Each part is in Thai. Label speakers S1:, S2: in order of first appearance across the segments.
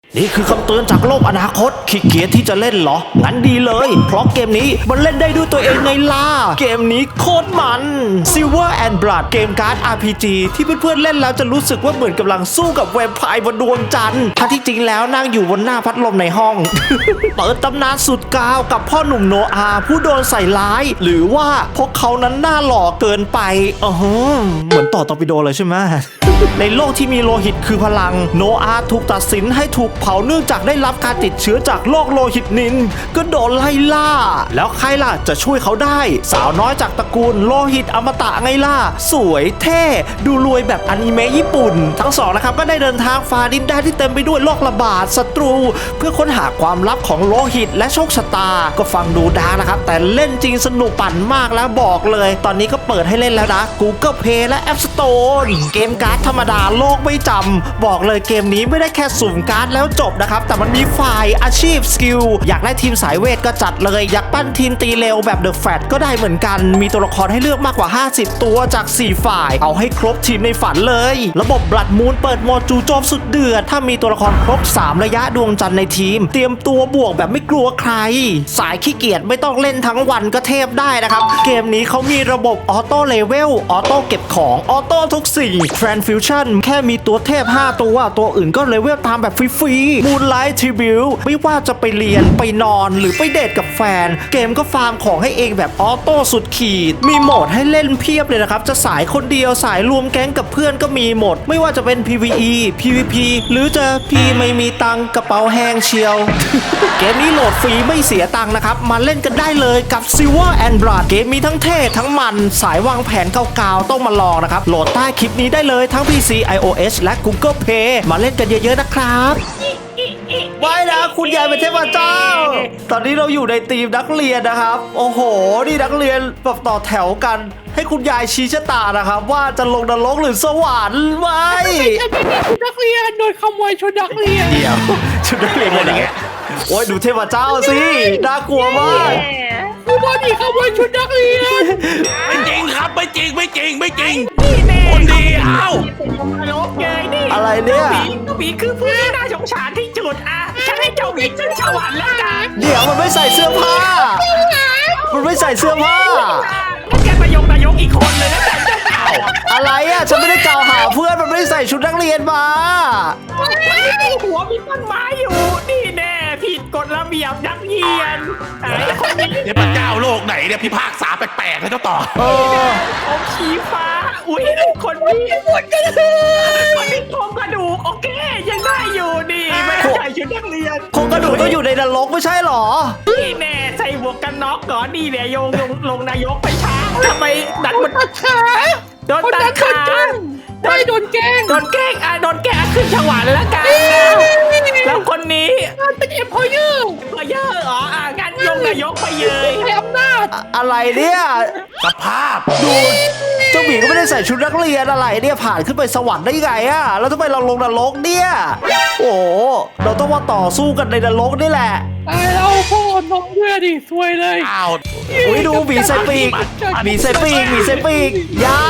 S1: นี่คือคำเตือนจากโลกอนาคตขี้เกียจที่จะเล่นเหรองั้นดีเลยเพราะเกมนี้มันเล่นได้ด้วยตัวเองไงล่ะเกมนี้โคตรมัน Silver and Blood เกมการ์ด RPG ที่เพื่อนๆเล่นแล้วจะรู้สึกว่าเหมือนกำลังสู้กับแวมไพร์บนดวงจันทร์ถ้าที่จริงแล้วนั่งอยู่บนหน้าพัดลมในห้อง เปิดตำนานสุดกาวกับพ่อหนุ่มโนอาห์ผู้โดนใส่ร้าย หรือว่าพวกเขานั้นหน้าหล่อเกินไปเหมือนต่อตอร์ปิโดเลยใช่ไหม ในโลกที่มีโลหิตคือพลังโนอาห์ถูกตัดสินให้ถูกเผาเนื่องจากได้รับการติดเชื้อจากโรคโลหิตนินก็โดนไล่ล่าแล้วใครล่ะจะช่วยเขาได้สาวน้อยจากตระกูลโลหิตอมตะไงล่ะสวยเท่ดูรวยแบบอนิเมะญี่ปุ่นทั้งสองนะครับก็ได้เดินทางฝ่าดินแดนที่เต็มไปด้วยโรคระบาดศัตรูเพื่อค้นหาความลับของโลหิตและโชคชะตาก็ฟังดูดาร์กนะครับแต่เล่นจริงสนุกปั่นมากแล้วบอกเลยตอนนี้ก็เปิดให้เล่นแล้วนะ Google Play และ App Store เกมการ์ดธรรมดาโลกไม่จำบอกเลยเกมนี้ไม่ได้แค่สุ่มการ์ดแล้วจบนะครับแต่มันมีฝ่ายอาชีพสกิลอยากได้ทีมสายเวทก็จัดเลยอยากปั้นทีมตีเร็วแบบ The Fat ก็ได้เหมือนกันมีตัวละครให้เลือกมากกว่า50ตัวจาก4ฝ่ายเอาให้ครบทีมในฝันเลยระบบ Blood Moon เปิดโหมดจู่โจมสุดเดือดถ้ามีตัวละครครบ3ระยะดวงจันทร์ในทีมเตรียมตัวบวกแบบไม่กลัวใครสายขี้เกียจไม่ต้องเล่นทั้งวันก็เทพได้นะครับเกมนี้เขามีระบบออโต้เลเวลออโต้เก็บของออโต้ทุกสิ่ง Transfusion แค่มีตัวเทพ5ตัวอื่นก็เลเวลตามแบบฟรีๆ Moonlight Tribute ไม่ว่าจะไปเรียนไปนอนหรือไปเดทกับแฟนเกมก็ฟาร์มของให้เองแบบออโต้สุดขีดมีโหมดให้เล่นเพียบเลยนะครับจะสายคนเดียวสายรวมแก๊งกับเพื่อนก็มีหมดไม่ว่าจะเป็น PVE PVP หรือจะพี่ไม่มีตังค์กระเป๋าแห้งเชียว เกมนี้โหลดฟรีไม่เสียตังค์นะครับมาเล่นกันได้เลยกับ Silver and Blood เกมมีทั้งเท่ทั้งมันสายวางแผนเก่าๆต้องมาลองนะครับโหลดใต้คลิปนี้ได้เลยทั้ง PC iOS และ Google Play มาเล่นกันเยอะๆนะครับไว้นะคุณยายเป็นเทพเจ้าตอนนี้เราอยู่ในทีมนักเรียนนะครับโอ้โหนี่นักเรียนแบบต่อแถวกันให้คุณยายชี้ชะตานะครับว่าจะลงนรกหรือสวรรค์ไว้
S2: ฉันไม่ได้ชุดนักเรียนโดนขโมยชุดนักเรียน
S1: เดี๋ยวชุดนักเรียนอะไรเงี้ยโอ้ยดูเทพเจ้าสิน่ากลัวมาก
S2: กูบอดี้ขโมยชุดนักเรียน
S3: ไม่จริงครับไม่จริง
S2: นี่แน่
S3: คนดีเอ้า
S2: ตลกเลยนี่
S1: อะไรเนี่ย
S2: หมีคือผู้ที่น่าสงสารที่สุดอ่ะฉันให้เจ้าหมีขึ้นสวรรค์แล้วกัน
S1: เดี๋ยวมันไม่ใส่เสื้อผ้ามันไม่ใส่เสื้อผ้า
S2: แกนายกอีกคนเลยนะแต่เจ้าเก่า
S1: อะไรอ่ะฉันไม่ได้กล่าวหาเพื่อนมันไม่ได้ใส่ชุดนักเรียนมา
S2: หัวมีต้นไม้อยู่นี่แน่ผิดกฎระเบียบนักเรียนไอ้คนนี้
S3: เนี่ยพระเจ้าโลกไหนเนี่ยพิพากษาแปลกๆให้เจ้าต่อ
S2: ผมชี้ฟ้าอุ้ยคนนี้คนนี้โครงกระดูกโอเคยังได้อยู่ดีไม่ได้ใส่ชุดนักเรียน
S1: โครงกระดูกต้องอยู่ในนรกไม่ใช่หรอ
S2: นี่แน่ใส่หมวกกันน็อกก่อนนี่เนี่ยโยงลงนายกไปช้าทำไมดันมันตัดขาโดนตัดขาไม่โดนแกล้งโดนแกล้งขึ้นฉวรรค์แล้วกันแล้วคนนี้เป็นเอ็มพอเยอร์อ๋องานยงนายกไปเลยให้อำนาจ
S1: อะไรเนี่ย
S3: สภาพ
S1: ดูเจ้าหมีก็ไม่ได้ใส่ชุดนักเรียนอะไรเนี่ยผ่านขึ้นไปสวรรค์ได้ไงอะแล้วทำไมเราลงนรกเนี่ยโอ้เราต้องมาต่อสู้กันในนรกนี่แหละ
S2: ตายแล้วพ่อน้องด้วยดิซวยเลย
S3: อ้าว
S1: อุ้ยดูหมีใส่ปีกยา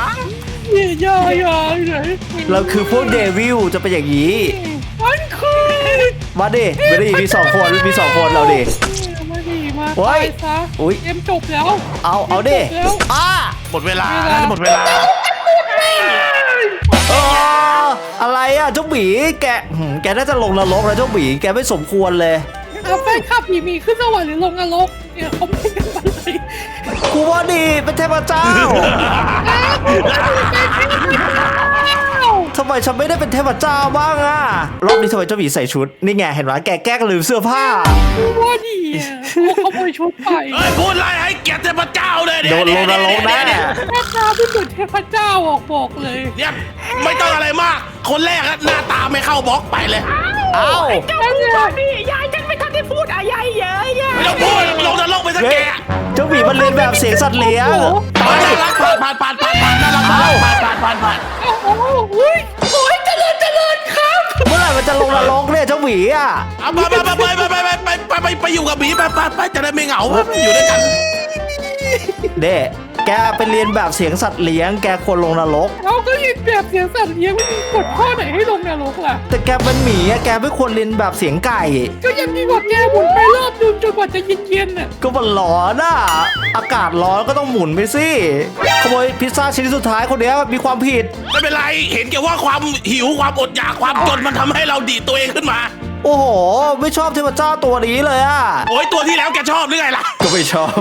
S1: เราคือพวกเดวิลจะเป็นอย่างนี้
S2: มันคือ
S1: มาดิมีสองคนเราดิ
S2: มาโอ้ยอุ้ยเกมจบแล้ว
S1: เอาดิ
S3: หมดเวลา
S1: อะไรอ่ะเจ้าหมีแกน่าจะลงนรกแล้วเจ้าหมีแกไม่สมควรเลย
S2: แฟนคลับผีมีขึ้นสวรรค์หรือลงนรกเนี่ยเขาไม่กันเลย
S1: กูว่าดีเป็นเทพเจ้าทำไมฉันไม่ได้เป็นเทพเจ้าบ้างอะรอบนี้ทำไมเจ้าหมีใส่ชุดนี่ไงเห็นไหมแกแกล้งลืมเสื้อผ้า
S2: กูว่าดีเขาขโมยชุดไป
S3: พูดอะไรให้เกียรติเทพเจ้าเลย
S1: โดนลงนรกแน่
S2: แม่ตาไม่เหมือนเทพเจ้าบอกเลย
S3: เนี่ยไม่ต้องอะไรมากคนแรกหน้าตาไม่เข้าบล็อกไปเลย
S2: เจ้าพูดนี่ยายฉันไม่ทันได้พูดยายเยอะ
S3: ไม่ต้องพูดลงนรกไปสักแก
S1: เจ้าหมีมันเรียนแบบเสียงสัตว์เลี้ยง
S3: ผ่านน่ารักผ่าน
S2: โอ้ยเจริญครับ
S1: เมื่อไหร่มันจะลงนรกเนี่ยเจ้าหมีอ่ะ
S3: ไปอยู่กับหมีไปจะได้ไม่เหงาอยู่ด้วยกัน
S1: เด้แกไปเรียนแบบเสียงสัตว์เลี้ยงแกควรลงนรก
S4: เราก็ยินแบบเสียงสัตว์เลี้ยงไม่มีกฎข้อไหนให้ลงนรกล่ะ
S1: แต่แกเป็นหมีอะแกไม่ควรเรียนแบบเสียงไก่
S4: ก็ยังมีกว่าแกหมุนไปรอบนึงจนกว่าจะเย็นๆน่ะ
S1: ก็มันร้อนอ่ะอากาศร้อนก็ต้องหมุนไปสิขโมยพิซซ่าชิ้นสุดท้ายคนเนี้ยมีความผิด
S3: ไม่เป็นไรเห็นแก่ว่าความหิวความอดอยากความจนมันทำให้เราดีดตัวเองขึ้นมา
S1: โอ้โห ไม่ชอบเทพเจ้าตัวนี้เลยอ่ะ
S3: โอ้ยตัวที่แล้วแกชอบหรือไงล่ะ
S1: ก็ไม่ชอบ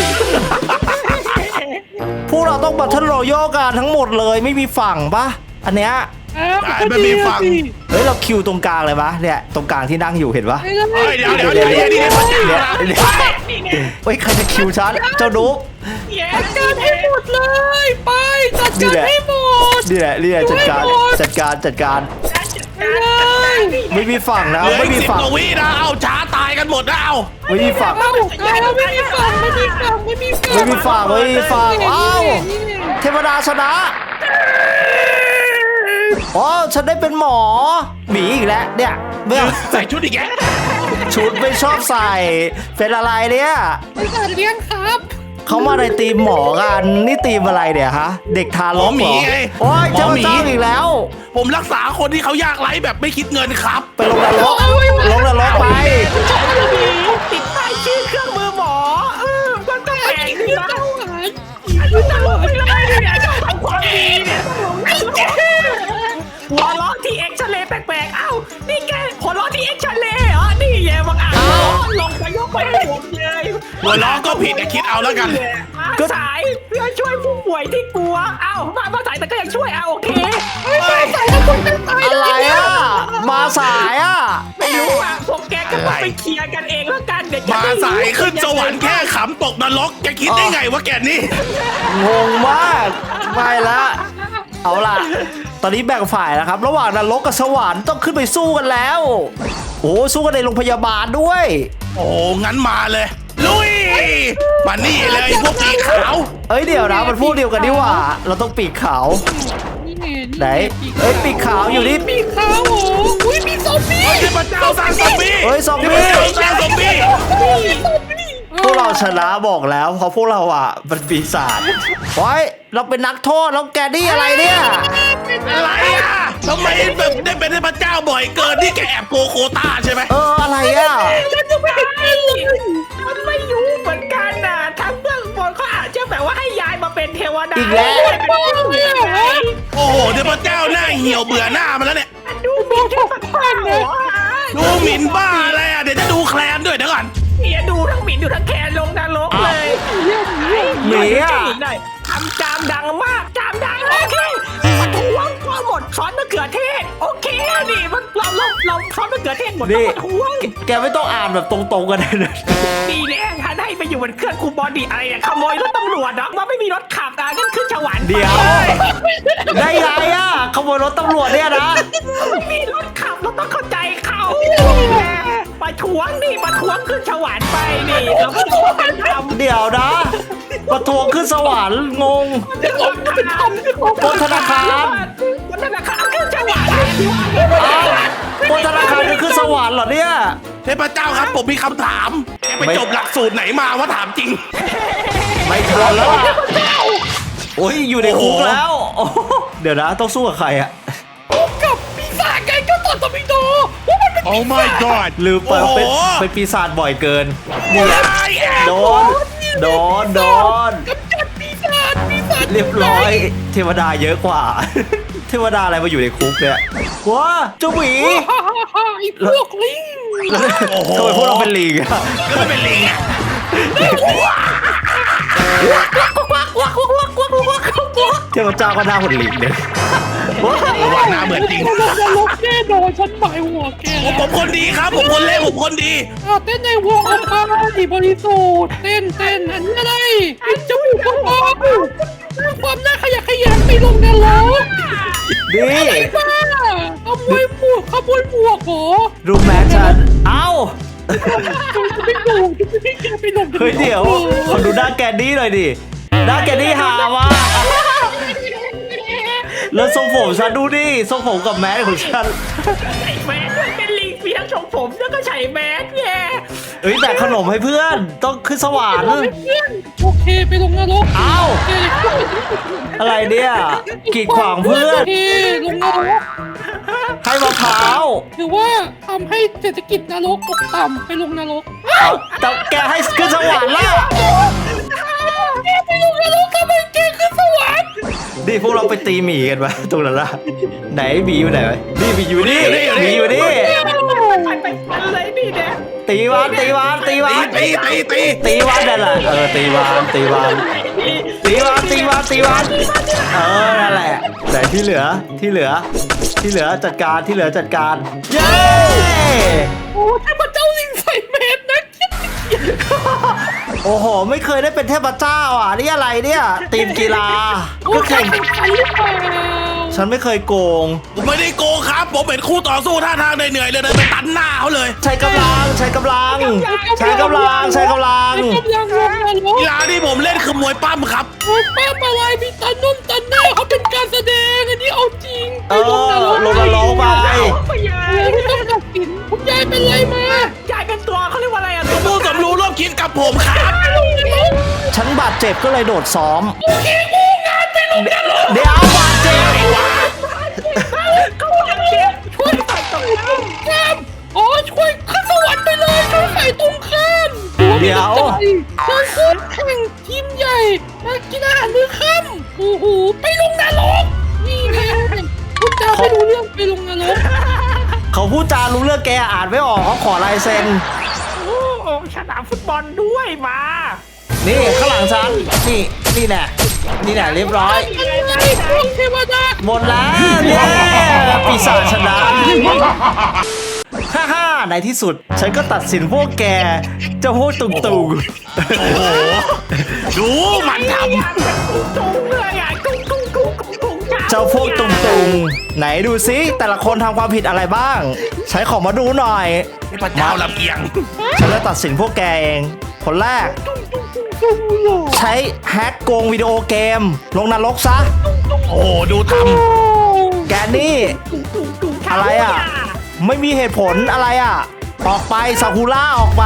S1: พวกเราต้องบัตเทิลรอยัลกันทั้งหมดเลยไม่มีฝั่งปะอันเนี้ย
S3: ไม่มีฟัง
S1: เฮ้ยเราคิวตรงกลางเลยปะเนี่ยตรงกลางที่นั่งอยู่เห็นปะ
S4: ไอ้ก็
S3: เฮ้ยเดี๋ยวนี่พระเจ้านะ
S1: เฮ้ยใครจะคิวฉันเจ้านุ๊ก
S4: จัดการให้หมดเลยไปจัดการให้หมด
S1: นี่แหละจัดการ
S4: ไปเลย
S1: ไม่มีฝั่งนะ
S3: เหลือ
S1: ไม่
S3: อีก
S1: มี
S3: 10
S1: ฝั่ง
S3: กว่าวินะเอาช้าตายกันหมดนะเอา
S1: ไม่มีฝั่ง
S4: เอาแล้วไม่มีฝั่งไม่มีฝั่งไม่มีฝั่ง
S1: ไม่มีฝั่งอ้าว
S4: นี่ไง
S1: เทวดาชนะอ๋อฉันได้เป็นหมอหมีอีกแล้วเนี่ยไม่เอา
S3: ใส่ชุดอีกแก
S1: ชุดไม่ชอบใส่เป็นอะไรเนี่ย
S4: ไอ้สัตว์เลี้ยงครับ
S1: เขามาในทีมหมอกันนี่ทีมอะไรเนี่ยฮะเด็กทารกเหรอโอ้ยเจ้าเจ้าอีกแล้ว
S3: ผมรักษาคนที่เขายากไร้แบบไม่คิดเงินครับ
S1: ไปลงนรกไป
S2: ติดป้ายชื่อเครื่องมือหมอมันต้องแพงดีนะ
S4: เจ้าหาย
S2: ตลกไปเลยเนี่ยทำความดีเนี่ยหัวล้อที่เอ็กซเรย์แปลกๆเอ้านี่แกหัวล้อที่เอ็กซเรย์เหรอนี่แย่บังอาจลงไปยกไปให้ผมเลย
S3: หัวล้อก็ผิดแต่คิดเอาแล้วกัน
S2: มาสายเพื่อช่วยผู้ป่วยที่กลัวเอ้ามาสายแต่ก็ยังช่วยโอเค
S1: อะไรอ่ะมาสายอ่ะ
S2: ไม่รู้อ่ะพวกแกก็ต้องไปเคลียร์กันเองแล้วกันเดี๋ยวจะ
S3: มาสายขึ้นสวรรค์แค่ขำตกนรกจะคิดได้ไงว่าแกนี่
S1: งงมากไม่ละเอาล่ะ ตอนนี้แบ่งฝ่ายแล้วครับ ระหว่างนรกกับสวรรค์ต้องขึ้นไปสู้กันแล้ว โอ้สู้กันในโรงพยาบาลด้วย
S3: โอ้งั้นมาเลย ลุยมานี่เลยพวกปีกขาว
S1: เอ้ยเดี๋ยวนะมันพวกเดียวกันนี่หว่า เราต้องปีกขาว
S4: นี่ไง
S1: ไหนเอ้ยปีกขาวอยู่นี่
S4: ปีกขาวโอ้อุ้ยมีซอมบี้
S3: เฮ้ยพระเจ้าสร้างซอมบี้
S1: เฮ้ยซอมบี้
S3: พระเจ้าสร้างซอมบี้
S1: พวกเราชนะบอกแล้วเพราะพวกเราอ่ะมันปีศาจโอ้ยเราเป็นนักโทษแล้วแกนี่อะไรเนี่ย
S3: อะไรอ่ะทำไมแบบได้เป็นพระเจ้าบ่อยเกินนี่แกแอบโกโคต้าใช่ไหม
S1: อะไรอ่ะ
S4: ฉันจะไม่เห็นเป็นเลย
S2: มันไม่รู้เหมือนกันนะทั้งเบื้องบนเขาอาจจะแบบว่าให้ยายมาเป็นเทวดา
S1: อีกแล้ว
S4: บ้าเลยเหรอ
S3: โอ้โหเดี๋ยวพระเจ้าหน้าเหี่ยวเบื่อหน้ามันแล้วเนี่ย
S2: ดูมีแค่สักพันเลย
S3: ดูหมิ่นบ้าอะไรอ่ะเดี๋ยวจะดูแคลนด้วยเดี๋ยวก่อน
S2: เนี่ยดูทั้งหมิ่นดูทั้งแคนลงนรกเลย
S1: หมีอ่ะ
S2: ทำจามดังมากจามดังโอเคประท้วงก็หมดช้อนมะเขือเทศโอเคนี่มันเราช้อนมะเขือเทศหมดต้องประท้วง
S1: แกไม่ต้องอ่านแบบตรงๆกันเลยนะ
S2: ดีแน่ท่านให้ไปอยู่บนเครื่องคูบอดี้อะไรเนี่ยขโมยรถตำรวจเนาะว่าไม่มีรถขับอ่ะงั้นขึ้นสวรรค์ไป
S1: เดี๋ยวได้ไงอ่ะขโมยรถตำรวจเนี่ยนะ
S2: ไม่มีรถขับเราต้องเข้าใจเขาประท้วงนี่ประท้วงขึ้นสวรรค์ไปนี่เราก็ต้องเป็นธรรม
S1: เดี๋ยวนะประท้วงขึ้นสวรรค์งง
S2: เป็นธรรม
S1: ปล้นธนาคาร
S2: บนธนาคารขึ้นสวรรค์
S1: อ้าวปล้นธนาคารจะขึ้นสวรรค์เหรอเนี่ย
S3: เทพเจ้าครับผมมีคำถามแกไปจบหลักสูตรไหนมาว่าถามจริง
S1: ไม่ทันแล้วอะโอ้ยอยู่ในคุกแล้วโอ้โหเดี๋ยวนะต้องสู้กับใครอะ
S4: กับปีศาจไงเจ้าต่อตอร์ปิโดว่ามันเป็น
S3: Oh my god
S1: ลืมเปิดเป็น
S3: โอ้โห
S1: เป็นปีศาจบ่อยเกินนี่แหละ
S3: ไอ้แอบ
S1: โดน
S4: กำจัดปีศาจ
S1: เรียบร้อย เทวดาเยอะกว่า เทวดาอะไรมาอยู่ในคุกเนี่ยว้าเจ้าหมี
S4: ฮ่าฮ่าฮ่าไอ้พวกลิง
S1: ทำไมพวกเราเป็นลิงอะ
S3: ก็ไม่เป็นลิงอ่ะ
S1: เทพเจ้าก็หน้าหุ่นลิงเลยว้า
S3: ว่าหน้าเหมือนจริง
S4: ลงนรกแน่นอนฉันหมายหัวแก
S3: ผมคนดีครับ ผมคนเล่นผมคนดี
S4: เต้นในวงอัลพาดีบริสุทธิ์เต้นอันนี้อะไรเป็นจมูกกระป๋องความน่าขยะแขยงไปลงนรก
S1: ดี
S4: ไอ้บ้าขโมยหมวกเหรอ
S1: รู้แมฉันเอ้า
S4: จะไม่ดูจะไม่แกไปลงนรก
S1: เฮ้ยเดี๋ยวขอดูหน้าแกนดี้หน่อยดิหน้าแกนดี้หามากแล้วทรงผมฉันดูดิทรงผมกับแมสของฉัน
S2: ใส่แมสเป็นลิงมีทั้งชงผมแล้วก็ใส่แมสไง
S1: เฮ้ยแบกขนมให้เพื่อนต้องขึ้นสวรรค์
S4: โอเคไปลงนรก
S1: เอ้า
S4: โอเค
S1: อะไรเนี่ยกีดขวางเพื่อน
S4: โอเคลงนรก
S1: ให้มะพร้าว
S4: หรือว่าทำให้เศรษฐกิจนรกตกต่ำไปลงนรก
S1: เอาแต่แกให้ขึ้นสวรรค์ล่ะ
S4: แกไปลงนรกทำไมแกขึ้นสวรรค์
S1: ดิพวกเราไปตีหมีกันไหมตรงนั้นล่ะไหนหมีอยู่ไหนวะนี่หมีอยู่นี่หมีอยู่นี่
S2: ไปเลยนี่เนี่ย
S1: ตีวันตีวันตีวัน
S3: ตี
S1: ตีวันนั่นแหละตีวันตีวันตีวันตีวันตีวันนั่นแหละแต่ที่เหลือจัดการที่เหลือจัดการเย้
S4: โอ้เทพเจ้าลิงใส่เมตรนะ
S1: โอ้โหไม่เคยได้เป็นเทพเจ้าอ่ะนี่อะไรเนี่ยทีมกีฬาก็แข่ง
S4: ใครหรือเปล่า
S1: ฉันไม่เคยโกง
S3: ผมไม่ได้โกงครับ ผมเป็นคู่ต่อสู้ท่าทางเหนื่อยๆเลยเดินไปตันหน้าเขาเลย
S1: ใช้กำลังใช้กำลัง
S4: กำลังลงนรก
S3: กีฬาที่ผมเล่นคือมวยปั้มครับ
S4: โอ้ป้าอะไรมีตันนุ่นตันหน้าเขาเป็นการแสดงอันนี้เอาจริงไปลงนรก
S1: ลงนรกไป
S2: ไปยาย
S4: ไม่ต้องตัดสินคุณยายเป็นไรมาย
S2: ายเป็นตัวเขาเรียกว่าอะไรอ่ะ
S3: ผู้สมรู้ร่วมคิดกับผมครับ
S1: ฉันบาดเจ็บก็เลยโดดซ้อมเดี๋ยวบาดเจ็บ
S2: เขาเจ็บช่วยใส่ตรงข้าม
S4: ข้ามอ๋อช่วยขึ้นสวรรค์ไปเลยช่วยใส่ตรงข้าม
S1: เดี๋ยว
S4: เชิญขึ้นแข่งทีมใหญ่มากินอาหารมื้อค่ำโอ้โหไปลงนรกนี่ไงคุณตาไม่รู้เรื่องไปลงนรก
S1: เขาพูดจารู้เรื่องแกอ่านไม่ออกเขาขอลายเซ็น
S2: โอ้สนามฟุตบอลด้วยมา
S1: นี่ข้างหลังฉันนี่แน่เรียบร้อย
S4: อะไรพวกเทวดา
S1: หมดแล้วเย้ปีศาจชนะฮ่าในที่สุด ฉันก็ตัดสินพวกแกเจ้าพวกตุ่ง
S3: โอ้โห ดูมันท
S2: จุ้งเลยอ่ะจุ้ง
S1: เจ้าพวกตุ่งไหนดูซิแต่ละคนทำความผิดอะไรบ้าง ใช้ของมาดูหน่อย
S3: ำพระเจ้าลำเอียง
S1: ฉันจะตัดสินพวกแกเอง คนแรก ใช้แฮกโกงวิดีโอเกม ลงนรกซะ
S3: โอ้โหดูท
S1: แกนี่ อะไรอ่ะ ไม่มีเหตุผลอะไรอ่ะ ออกไปซากุระออกไป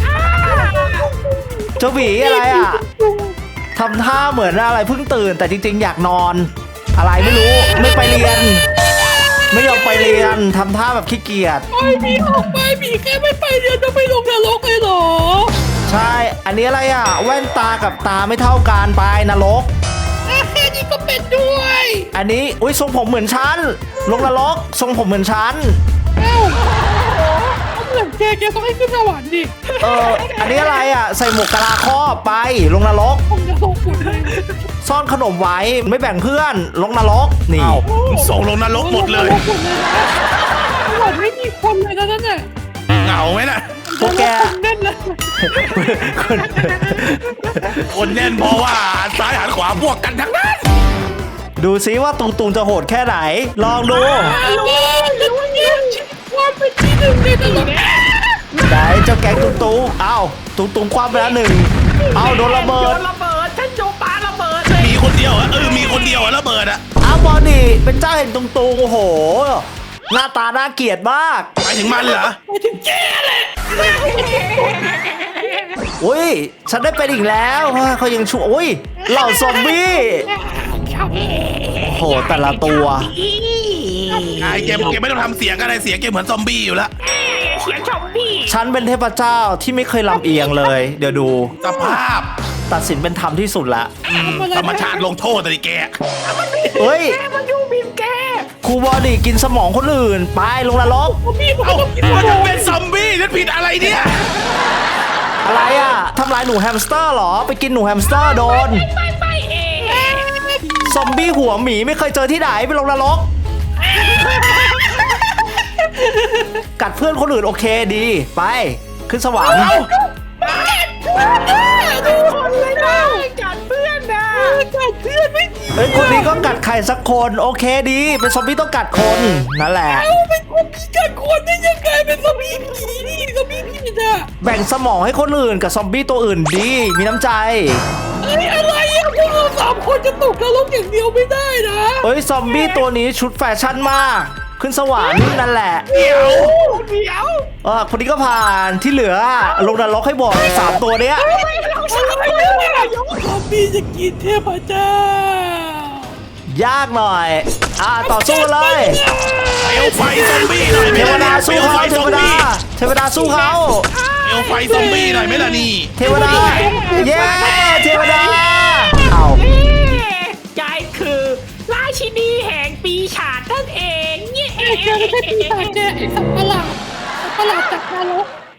S1: เจ้าหวีอะไรอ่ะทำท่าเหมือนอะไรเพิ่งตื่นแต่จริงๆ อยากนอน อะไรไม่รู้ไม่ไปเรียน ไม่ยอมไปเรียนทำท่าแบบขี้เกียจ
S4: ไปมีออกไปมีแค่ไม่ไปเรียนจะไปลงนรกเลยเหรอ
S1: ใช่ อันนี้อะไรอ่ะ แว่นตากับตาไม่เท่ากันไปนรก
S4: แค่นี้ก็เป็นด้วย
S1: อันนี้อุ้ยทรงผมเหมือนฉันลงนรกทรงผมเหมือนฉัน
S4: เอ้าเหมือนแกต้องให้ขึ้นสวรรค์ดิ
S1: อันนี้อะไรอ่ะ ใส่หมวกกะลาครอบไปลงนรก
S4: ผมจะส่งคุณเลย
S1: ซ่อนขนมไว้ไม่แบ่งเพื่อนลงนรก
S3: ำ
S1: นี่
S3: เอ้าส่งลงนรกหมดเลย
S4: สวรรค์ไม่มีคนเลยนะนั่นน่ะ
S3: เหงาไหมน่ะ
S1: พวกแก
S4: แน่นเลย
S3: คนแน่นเพราะว่าหันซ้ายหันขวาพวกกันทั้งนั้น
S1: ดูซิว่าตุงตุงจะโหดแค่ไหน ลองดู
S4: แล้วเนี่ยความเป็นที่หนึ่งในตลอด
S1: ไหนเจ้าแก๊งตุงตุงเอ้าตุงตุงคว้าไปแล้วหนึ่งเอ้าโดนระเบิด
S2: ระเบิดฉันโยปาระเบิดเลย
S3: มีคนเดียวอ่ะมีคนเดียวอ่ะระเบิดอ่ะ
S1: อ้าวบอดี้เป็นเจ้าเห็นตุงตุงโอ้โห หน้าตาน่าเกลียดมาก
S3: หมายถึงมันเหรอ
S4: ไปถึงแกแหละ
S1: อุ้ยฉันได้เป็นอีกแล้วเขายังชั่วอุ้ยเหล่าซอมบี้โอ้โหแต่ละตัว
S3: ไอ้เกมไม่ต้องทำเสียงอะไรเสียงเกมเหมือนซอมบี้อยู่แล้ว
S2: เสียงชมพี่
S1: ฉันเป็นเทพเจ้าที่ไม่เคยลำเอียงเลย เดี๋ยวดู
S3: สภาพ
S1: ตัดสินเป็นธรรมที่สุดละ
S3: ธรรมชาติลงโทษแต่ดิแก
S1: เฮ้ย
S2: แกมันอยู่บีมแก
S1: ครูบอดี้กินสมองคนอื่น ไปลงนรก
S4: พี่ผม
S3: เอ้า
S4: ต้องกิน
S3: มันจะเป็นซอมบี้นั่นผิดอะไรเนี่ย
S1: อะไรอ่ะทำลายหนูแฮมสเตอร์เหรอ ไปกินหนูแฮมสเตอร์โดน
S2: ไปเอง
S1: ซอมบี้หัวหมีไม่เคยเจอที่ไหนไปลงนรก กัดเพื่อนคนอื่นโอเคดี ไป ขึ้นสวรรค์
S2: ดูคนเลยนะกัดเพื่อนนะ
S4: กัดเพื่อนไม่ดี
S1: เฮ้ยคนนี้ก็กัดใครสักคนโอเคดี เป็นซอมบี้ต้องกัดคนนั่นแหละ
S4: เอาเป็นคนพิการคนได้ยังไงเป็นสมีผีนี่สมีผีน่ะ
S1: แบ่งสมองให้คนอื่นกับซอมบี้ตัวอื่นดี มีน้ำใจ
S4: เอ้ยอะไรอ่ะพวกเราสามคนจะตกนรกอย่างเดียวไม่ได้นะ
S1: เอ้ยซอมบี้ตัวนี้ชุดแฟชั่นมากขึ้นสวรรค์นั่นแหละ
S3: เดี๋ยว
S2: เดี๋ยว
S1: คนนี้ก็ผ่านที่เหลือลงนรกให้หมด3ตัวเนี้ย
S4: ซอมบี้จะกินเทพเจ้าย
S1: ากหน่อยต่อสู้เลย
S3: เอวไฟซอมบี้หน่อยไหม
S1: เทว
S3: ล่ะ
S1: ดา
S3: นี่
S1: สู้
S3: เอว
S1: เขา
S3: ไฟ
S1: เท
S3: ซอ
S1: ว
S3: ม
S1: ดา
S3: บี้
S1: เทวดาสู้เขา
S3: เอวไฟซอมบี้หน่อยไหมล่ะนี่
S1: เทวดาเย้เทวดาเอา
S2: ยายคือราชินีแห่งปีศาจนั่นเองเนี่ย
S4: แกไม่ใช่ปีศาจแกไอ้สัตว์ประหลาดจากนรก